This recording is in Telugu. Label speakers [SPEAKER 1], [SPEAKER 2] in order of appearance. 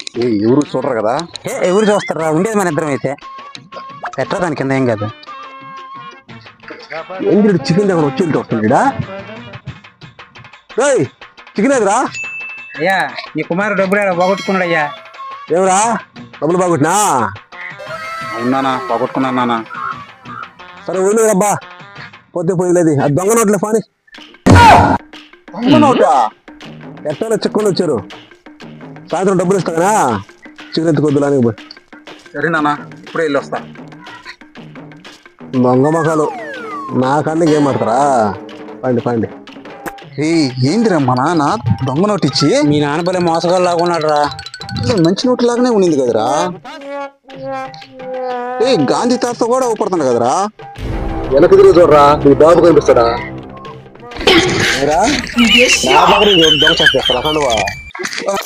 [SPEAKER 1] ఎవరు చూడరు కదా.
[SPEAKER 2] ఎవరు చూస్తారా? ఉండేది మన ఇద్దరం అయితే ఎట్లా దాని కింద ఏం కాదు.
[SPEAKER 1] ఏంటి చికెన్ దగ్గర వచ్చి వస్తుండడా? చికెన్ ఎదురా?
[SPEAKER 2] అయ్యా నీ కుమారుడు డబ్బులు పోగొట్టుకున్నాడు అయ్యా.
[SPEAKER 1] ఏమరా డబ్బులు బాగుట్టినా?
[SPEAKER 2] అవునా పోగొట్టుకున్నాను నాన్న.
[SPEAKER 1] సరే ఊళ్ళు రబ్బా, పోతే పోయలేదు. అది దొంగ నోట్లే ఫాని. దొంగ నోటా? ఎట్లా చెక్కుని వచ్చారు. సాయంత్రం డబ్బులు ఇస్తా కదా, చికెన్ ఎత్తుకొద్దులానికి పోయి.
[SPEAKER 2] సరే నాన్న, ఇప్పుడే వెళ్ళి వస్తా.
[SPEAKER 1] దొంగ మొఖాలు నా కన్నా ఏం ఆడతారా? పండి పండి.
[SPEAKER 2] ఏందిరా మా నాన్న దొంగ నోటు ఇచ్చి? మీ నాన్న పల్లె మోసగాళ్ళు లాగున్నాడు రా. మంచి నోటు లాగానే ఉండింది కదరా. గాంధీ తాత కూడా ఊపడుతుంది కదరా.
[SPEAKER 1] వెనక తిరిగి చూడరా, నీ బాబు కనిపిస్తాడా? దొంగ చేస్తారా?